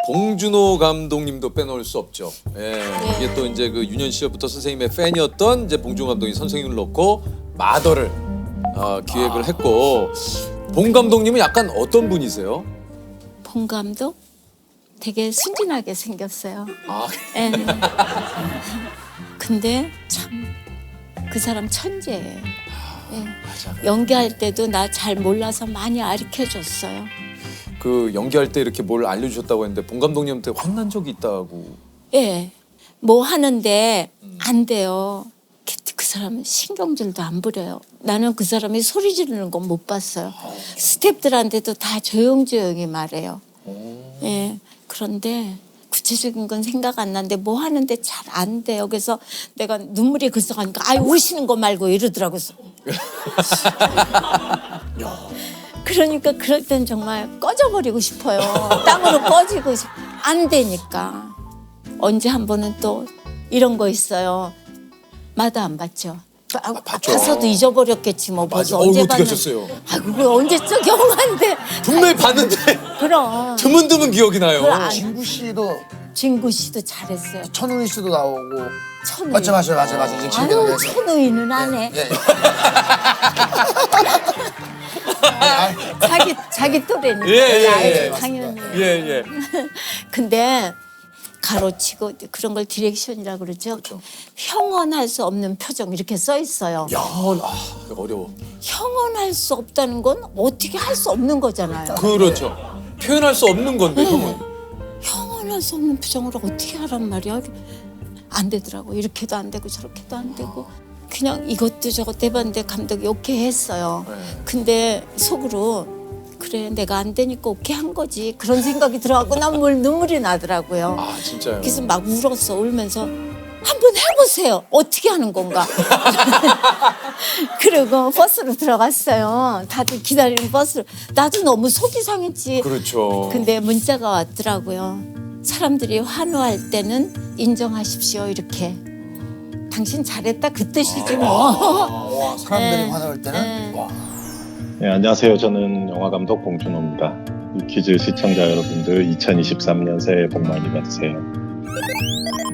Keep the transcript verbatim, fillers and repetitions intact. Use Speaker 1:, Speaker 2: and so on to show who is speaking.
Speaker 1: 봉준호 감독님도 빼놓을 수 없죠. 예, 이게 또 이제 그 유년 시절부터 선생님의 팬이었던 이제 봉준호 감독이 선생님을 놓고 마더를 어, 기획을 했고, 봉 감독님은 약간 어떤 분이세요?
Speaker 2: 봉 감독 되게 순진하게 생겼어요.
Speaker 1: 아,
Speaker 2: 예. 근데 참 그 사람 천재예요. 예.
Speaker 1: 맞아.
Speaker 2: 연기할 때도 나 잘 몰라서 많이 가르쳐줬어요.
Speaker 1: 그 연기할 때 이렇게 뭘 알려주셨다고 했는데 봉 감독님한테 혼난 적이 있다고.
Speaker 2: 예. 뭐 하는데 안 돼요. 그, 그 사람은 신경질도 안 부려요. 나는 그 사람이 소리 지르는 건 못 봤어요. 스태프들한테도 다 조용조용히 말해요. 예. 그런데 구체적인 건 생각 안 나는데 뭐 하는데 잘 안 돼요. 그래서 내가 눈물이 글썽하니까 아유 우시는 거 말고 이러더라고요. 그러니까 그럴 땐 정말 꺼져버리고 싶어요. 땅으로 꺼지고 싶... 안 되니까. 언제 한 번은 또 이런 거 있어요. 마다 안 봤죠. 아,
Speaker 1: 봤죠.
Speaker 2: 가서도 잊어버렸겠지 뭐. 벌써
Speaker 1: 맞아.
Speaker 2: 언제
Speaker 1: 어, 어떻게
Speaker 2: 봤는데.
Speaker 1: 하셨어요?
Speaker 2: 아 그거 언제적 영화인데.
Speaker 1: 분명히 봤는데
Speaker 2: 그럼.
Speaker 1: 드문드문 기억이 나요.
Speaker 2: 그걸 안-
Speaker 3: 진구 씨도
Speaker 2: 진구 씨도 잘했어요.
Speaker 3: 천우희 씨도 나오고.
Speaker 2: 천우희.
Speaker 3: 맞죠, 맞죠, 맞죠, 맞죠. 이제 기억이
Speaker 2: 아유
Speaker 3: 나요.
Speaker 2: 천우희는 안 해.
Speaker 3: 예, 예.
Speaker 2: 자기 자기 또래니까.
Speaker 1: 예, 예, 예.
Speaker 2: 알죠, 당연히.
Speaker 1: 예, 예.
Speaker 2: 근데 가로치고 그런 걸 디렉션이라고 그러죠. 형언할 수 없는 표정 이렇게 써 있어요.
Speaker 1: 영원, 아, 어려워.
Speaker 2: 형언할 수 없다는 건 어떻게 할 수 없는 거잖아요.
Speaker 1: 그렇죠. 표현할 수 없는 건데, 형은.
Speaker 2: 형언할 수 없는 표정을 어떻게 하란 말이야. 안 되더라고. 이렇게도 안 되고 저렇게도 안 되고. 그냥 이것도 저것도 해봤는데 감독이 오케이 했어요.
Speaker 1: 네.
Speaker 2: 근데 속으로 그래 내가 안 되니까 오케이 한 거지. 그런 생각이 들어갖고 난 뭘 눈물이 나더라고요.
Speaker 1: 아, 진짜요?
Speaker 2: 그래서 막 울었어. 울면서 한번 해보세요. 어떻게 하는 건가. 그리고 버스로 들어갔어요. 다들 기다리는 버스로. 나도 너무 속이 상했지.
Speaker 1: 그렇죠.
Speaker 2: 근데 문자가 왔더라고요. 사람들이 환호할 때는 인정하십시오. 이렇게. 당신 잘했다 그 뜻이지 뭐.
Speaker 3: 와, 사람들이
Speaker 2: 네.
Speaker 3: 화나올 때는.
Speaker 2: 네.
Speaker 3: 와.
Speaker 4: 네, 안녕하세요. 저는 영화감독 봉준호입니다. 유퀴즈 시청자 여러분들 이천이십삼 년 새해 복 많이 받으세요.